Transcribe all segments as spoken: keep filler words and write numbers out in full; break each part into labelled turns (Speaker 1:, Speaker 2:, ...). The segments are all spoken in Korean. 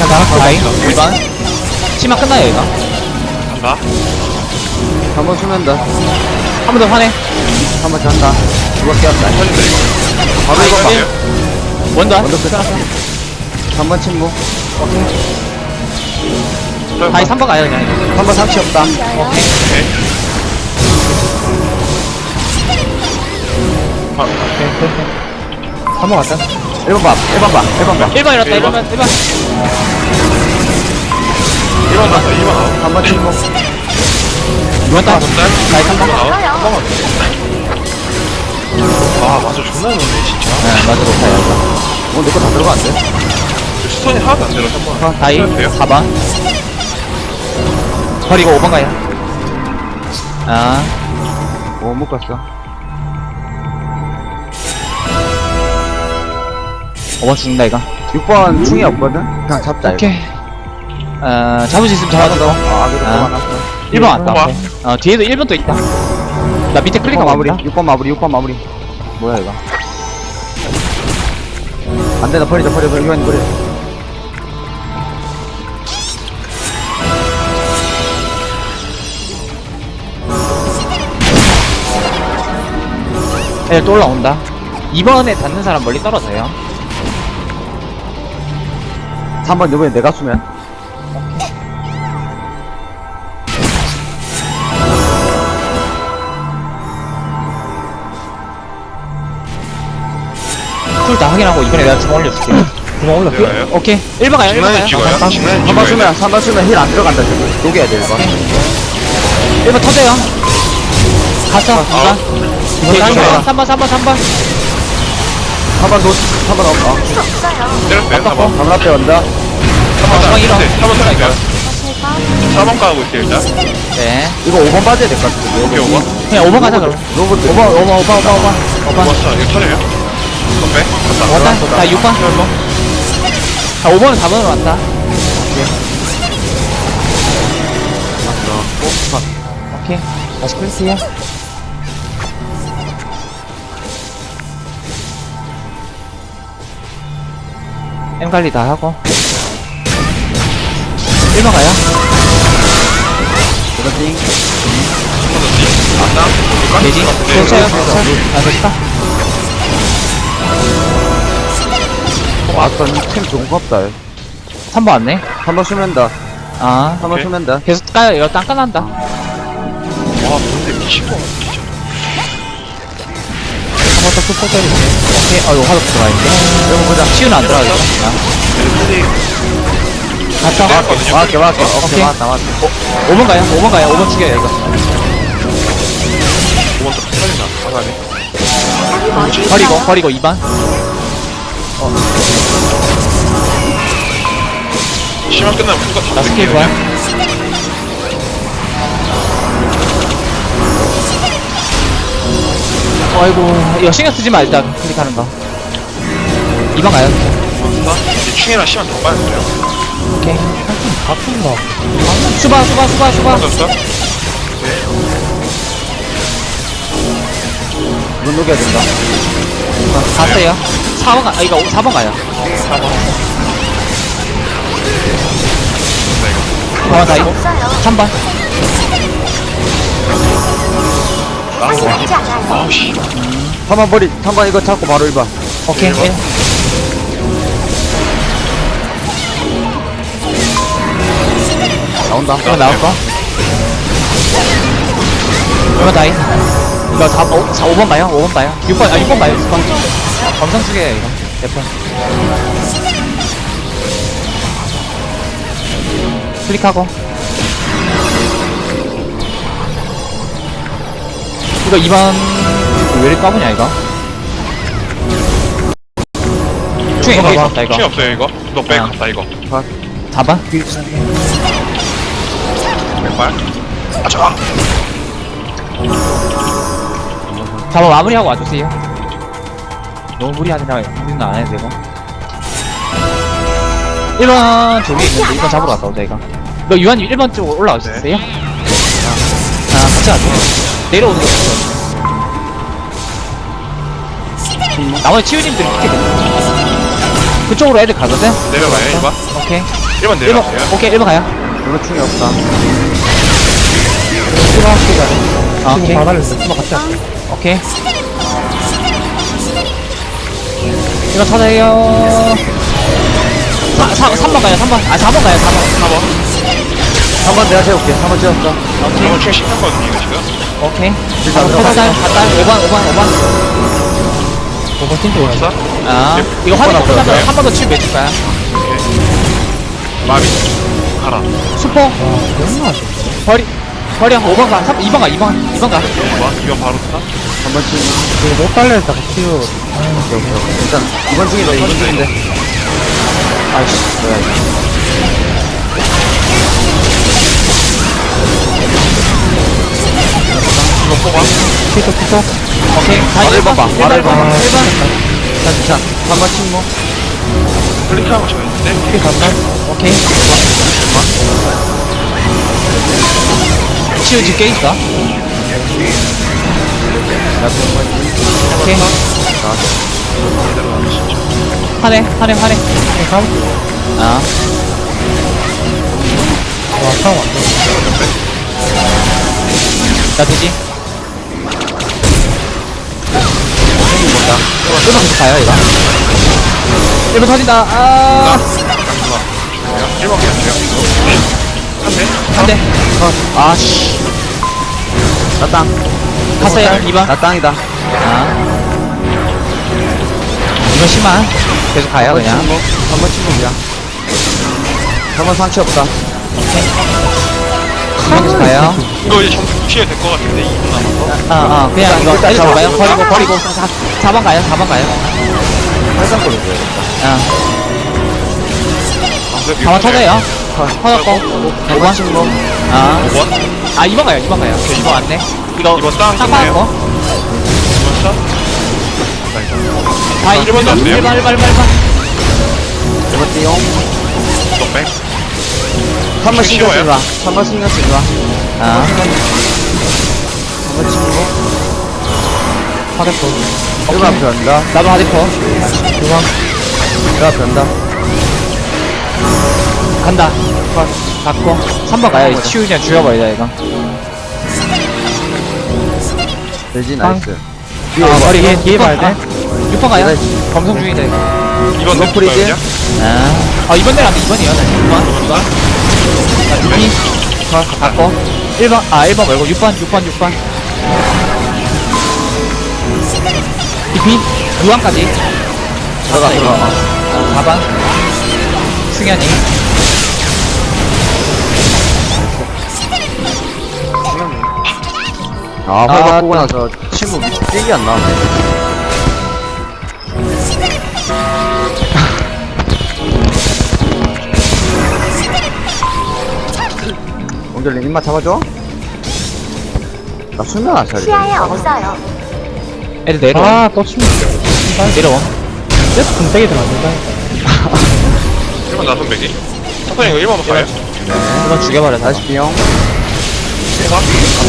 Speaker 1: 자, 나갔어. 다이. 일 번. 치마 끝나요, 이거.
Speaker 2: 간다.
Speaker 3: 한 번 수면 더.
Speaker 1: 한 번 더 화내.
Speaker 3: 한 번 잔다. 누가 깨웠다.
Speaker 2: 터진다, 이거.
Speaker 3: 바로 이거 봐.
Speaker 2: 갈게요.
Speaker 1: 원더.
Speaker 3: 원더 끝. 한 번 침묵.
Speaker 1: 다이 삼 번 가요, 그냥. 이거.
Speaker 3: 한 번 상치 없다.
Speaker 1: 오케이.
Speaker 2: 오케이. 아,
Speaker 1: 한 번 갔다.
Speaker 3: 일 번 봐. 일 번 봐. 일 번 봐.
Speaker 1: 일 번 일었다, 일 번, 일 번.
Speaker 2: 일 번 나왔다, 이 번 아웃.
Speaker 3: 한 번 침묵.
Speaker 1: 이 번 따.
Speaker 2: 한 달?
Speaker 1: 다이 삼 번.
Speaker 2: 한 번 아웃? 한 번만. 아, 맞아. 존나 좋네, 진짜.
Speaker 1: 네, 맞아, 높아요, 이거.
Speaker 3: 어, 내 거 다 들어가는데?
Speaker 2: 스톤이 하나도 안 들어, 한 번.
Speaker 1: 어, 다이
Speaker 2: 돼요?
Speaker 1: 사 번. 버리고 오 번 가요. 아,
Speaker 3: 오, 못 갔어.
Speaker 1: 오 번 죽는다, 이거.
Speaker 3: 육 번 충이 없거든? 그냥 잡자, 이거.
Speaker 1: 오케이. 어, 잡을 수 있으면 잡아줘.
Speaker 3: 아, 아기도
Speaker 1: 아.
Speaker 3: 또 많았어.
Speaker 1: 일 번 왔다.
Speaker 2: 봐.
Speaker 1: 오케이. 어, 뒤에도 일 번 또 있다. 나 밑에
Speaker 3: 육
Speaker 1: 클릭
Speaker 3: 번
Speaker 1: 하고
Speaker 3: 마무리.
Speaker 1: 있다.
Speaker 3: 육 번 마무리. 육 번 마무리. 뭐야, 이거? 안 되나, 버리자, 버려, 버려, 이건 버려.
Speaker 1: 애들 또 올라온다. 이 번에 닿는 사람 멀리 떨어져요.
Speaker 3: 삼 번 이번에 내가 수면.
Speaker 1: 쿨 다 확인하고 이번에 내가 주먹 올려줄게. 주먹 올려.
Speaker 2: 내가요?
Speaker 1: 오케이. 일 번 가요, 일 번 가요.
Speaker 2: 직나인 찍어요? 직나인
Speaker 3: 한 번
Speaker 2: 찍어야
Speaker 3: 수면,
Speaker 2: 돼.
Speaker 3: 삼 번 수면 힐 안 들어간다, 지금. 녹여야 돼, 이거.
Speaker 1: 일 번 터져요. 갔어, 이 번. 오케이,
Speaker 2: 아, 좋아.
Speaker 1: 삼 번, 삼 번, 삼 번.
Speaker 3: 한 번 놓, 한번 어, 어.
Speaker 2: 때렸어요, 사 번.
Speaker 3: 가문 앞에 온다.
Speaker 2: 사 번
Speaker 1: 주방 일어.
Speaker 2: 사 번 때렸어요. 사 번 가고 있어요, 일단.
Speaker 1: 네.
Speaker 3: 이거 오 번 빠져야 될 것 같은데.
Speaker 2: 오케이, 오 번.
Speaker 1: 그냥 오 번 가자, 그럼.
Speaker 3: 로봇,
Speaker 1: 오 번, 오 번, 오 번, 오 번, 오 번. 오 번.
Speaker 2: 왔어, 이거 터져요. 더 빼? 갔다.
Speaker 1: 왔다. 자, 육 번. 자, 오 번은 사 번으로 왔다. 오케이. 다시 클릭해요. M 관리 다 하고. 일 번 가요.
Speaker 3: 그렇지.
Speaker 2: 안나?
Speaker 1: 돼지. 괜찮아요. 아, 됐다.
Speaker 3: 왔던 템 좋은 거 없다.
Speaker 1: 삼 번 왔네.
Speaker 3: 한 번 수면 더.
Speaker 1: 아.
Speaker 3: 한 번
Speaker 2: 오케이.
Speaker 3: 수면 더.
Speaker 1: 계속 까요. 이거 땅 까난다.
Speaker 2: 와, 근데 미친거 같아, 진짜.
Speaker 1: 한 번 더 super 때리고. 오케이. 어, 이거 화도 들어가있는데.
Speaker 3: 이거 보자.
Speaker 1: 치유는 안 들어가겠다.
Speaker 2: 델리
Speaker 1: 갔다.
Speaker 2: 때렸거든요.
Speaker 3: 맞게, 맞게.
Speaker 1: 오케이.
Speaker 3: 오케이, 맞다, 맞다.
Speaker 1: 오 번 가요. 오 번 가요. 오 번 죽여요, 이거.
Speaker 2: 오 번 더 터진다. 아가네.
Speaker 1: 버리고, 버리고 이 번.
Speaker 2: 시간 끝나면 풀가 다
Speaker 1: 나 스킬
Speaker 2: 뺄게요,
Speaker 1: 좋아.
Speaker 2: 그냥.
Speaker 1: 아이고, 이거 신경 쓰지 마, 일단. 클릭하는 거. 이 번 가요.
Speaker 2: 맞다. 이제 충이랑 시간 더 빠야 돼요.
Speaker 1: 오케이. 바쁜다. 수바, 수바, 수바, 수바.
Speaker 2: 맞았어?
Speaker 3: 이건 녹여야 된다.
Speaker 1: 갔어요. 사 번 가, 아, 이거 사 번 가요.
Speaker 2: 사 번.
Speaker 1: 사 번 다이고. 삼 번.
Speaker 2: 아우, 씨.
Speaker 3: 한 번 버리, 한 번 이거 잡고 바로 일 번.
Speaker 1: 오케이.
Speaker 2: 일 번.
Speaker 1: 일.
Speaker 3: 나온다.
Speaker 1: 이거 나올 거. 이거 다이. 이거 사, 오, 사, 오 번 봐요. 오 번 봐요. 육 번, 아, 육 번 봐요. 육 번. 검성 쓰게요, 이거. 몇 번. 클릭하고. 이거 이 번. 왜 이렇게 까보냐, 이거? 충이 거기 있었다, 이거.
Speaker 2: 충이 없어요, 이거. 너 빼,
Speaker 1: 아.
Speaker 2: 갔다, 이거.
Speaker 1: 사 번?
Speaker 2: 왼발. 아, 저.
Speaker 1: 사 번 마무리하고 와주세요. 너무 무리하지 마. 무리는 안 해도 되고. 일 번 저기 있는데 일 번 잡으러 갔다 오자, 이거. 너 유한이 일 번 쪽으로 올라갈 수
Speaker 2: 네.
Speaker 1: 있어요? 아, 같이 가죠. 내려오는 거 없어. 나머지 치유님들이 이렇게 돼. 그쪽으로 애들 가거든?
Speaker 2: 내려가요 일 번
Speaker 1: 오케이.
Speaker 2: 일 번
Speaker 1: 일 번,
Speaker 2: 내려가세요
Speaker 1: 오케이, 일 번 가요.
Speaker 3: 이거 충이 없다.
Speaker 1: 아, 오케이.
Speaker 4: 받아냈어. 한번 같이 할게.
Speaker 1: 오케이. 일 번 찾아요. 사, 사, 삼 번 가요, 삼 번. 아, 사 번 가요, 사 번.
Speaker 2: 사 번
Speaker 3: 한 번 내가 세울게. 한 번 찍었어.
Speaker 1: 오케이.
Speaker 2: 이번 충 시켰거든요 이거 지금
Speaker 1: 오케이.
Speaker 3: 일단
Speaker 1: 찾아요,
Speaker 3: 들어가.
Speaker 1: 갔다. 오 번, 오 번, 오 번.
Speaker 4: 오 번 팀도 오라.
Speaker 2: 왔어?
Speaker 1: 아,
Speaker 2: 네.
Speaker 1: 이거 확인
Speaker 3: 번
Speaker 1: 끝나서
Speaker 3: 앞으로
Speaker 1: 한 번 더 치면 매줄 거야.
Speaker 2: 마비 가라
Speaker 1: 슈퍼.
Speaker 4: 와, 너무 아쉽다.
Speaker 1: 버리. 버려. 오 번 가. 삼, 이 번 가, 이 번. 이 번 가.
Speaker 2: 이 번 이 번 바로 타
Speaker 3: 한 번 찍.
Speaker 4: 이거 못 달려있다가 치유.
Speaker 3: 일단 이번 중인데 이번 중인데. 아이씨 뭐야 이거.
Speaker 2: 이거 뽑아
Speaker 4: 피터, 피터.
Speaker 1: 오케이. 다
Speaker 3: 바로
Speaker 1: 일 번.
Speaker 3: 일 번 봐.
Speaker 1: 일
Speaker 3: 바로
Speaker 1: 번,
Speaker 3: 일 번 봐.
Speaker 1: 일 번.
Speaker 3: 자 진짜 한 번 침묵.
Speaker 2: 클릭하고 저 있는데
Speaker 4: 피 간다.
Speaker 1: 오케이. 치유 집게 있어. 오케이. 하네, 하네, 하네.
Speaker 4: 감?
Speaker 1: 아,
Speaker 4: 와, 상황 완전.
Speaker 1: 나 되지? 일 번 계속 가요, 이거. 일 번 터진다. 아,
Speaker 2: 일 번 그냥 돼요 한대
Speaker 1: 한 대. 아, 씨.
Speaker 3: 나 땅.
Speaker 1: 갔어요, 이 번.
Speaker 3: 나 땅이다.
Speaker 1: 아. 이번 심한. 계속 가요, 그냥.
Speaker 3: 한 번 침묵이야. 한 번 상처 없다.
Speaker 1: 이번 계속 가요.
Speaker 2: 이거 이제 점수 무시해야 될 것 같은데 이 분 남아서
Speaker 1: 아, 아, 그냥 이거
Speaker 3: 일단
Speaker 1: 애들
Speaker 3: 잡아.
Speaker 1: 잡아요. 버리고, 버리고. 사 번 가요, 사 번 가요.
Speaker 3: 팔상 걸어줘야겠다.
Speaker 1: 아, 사 번 터져요. 터졌고. 오 번.
Speaker 3: 침묵.
Speaker 1: 아.
Speaker 2: 오 번
Speaker 1: 아, 이 번 가요, 이 번 가요. 이 번 왔네. 이거,
Speaker 2: 이번 땅
Speaker 1: 딱
Speaker 2: 끝내요.
Speaker 1: 받았고.
Speaker 2: 이 번 샷
Speaker 1: 다
Speaker 2: 일 번 났네요.
Speaker 1: 일 번, 일 번, 일 번, 일 번.
Speaker 3: 이번 띠용.
Speaker 2: 넉백
Speaker 3: 한 번
Speaker 2: 좀
Speaker 3: 신경 쓰지
Speaker 2: 쉬워요?
Speaker 3: 마. 한 번 신경 쓰지 마.
Speaker 1: 아,
Speaker 3: 한 번 침묵.
Speaker 1: 하대포.
Speaker 3: 일 번 앞에 간다.
Speaker 1: 나도 하대포.
Speaker 3: 일 번 앞에 간다.
Speaker 1: 간다. 갖고. 삼 번 가요. 치유 그냥 죽여버리자, 이거.
Speaker 3: 되지 나이스.
Speaker 1: 아, 머리 뒤에, 뒤에 봐야
Speaker 4: 아,
Speaker 1: 돼. 육 번 가요.
Speaker 3: 네.
Speaker 1: 검성 중이다, 이거.
Speaker 2: 이번
Speaker 3: 이번 프리즈?
Speaker 2: 냈을까요
Speaker 1: 아, 어, 이번 내려간다, 이번이요. 이 번. 이 번. 자, 두 피. 갖고. 일 번, 아, 일 번 말고 육 번, 육 번, 육 번. 이 피. 육 번까지.
Speaker 3: 들어가 들어가.
Speaker 1: 아, 사 번. 승현이.
Speaker 3: 아,
Speaker 1: 아,
Speaker 3: 활 바꾸고
Speaker 1: 또.
Speaker 3: 나서 친구 밑에 띠기 안 나오네. 옹결님 입맛 잡아줘? 나 수면 안 차리.
Speaker 5: 시야에 없어요.
Speaker 1: 애들 내려와.
Speaker 4: 아, 또 치면
Speaker 1: 내려와.
Speaker 4: 계속 분색이 들어간다.
Speaker 2: 일 번 나선 백이 첫번에 이거 일 번 가요
Speaker 1: 일 번 죽여버려, 다.
Speaker 3: 다시 비용.
Speaker 2: 일 번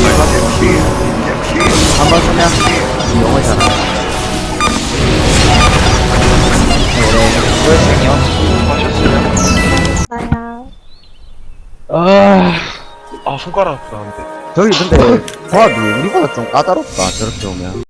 Speaker 3: 한 번 수면. 영어 잘하.
Speaker 4: 아,
Speaker 2: 아 손가락 아프다 근데
Speaker 3: 저기 근데 조합이 우리보다 좀 까다롭다 저렇게 오면.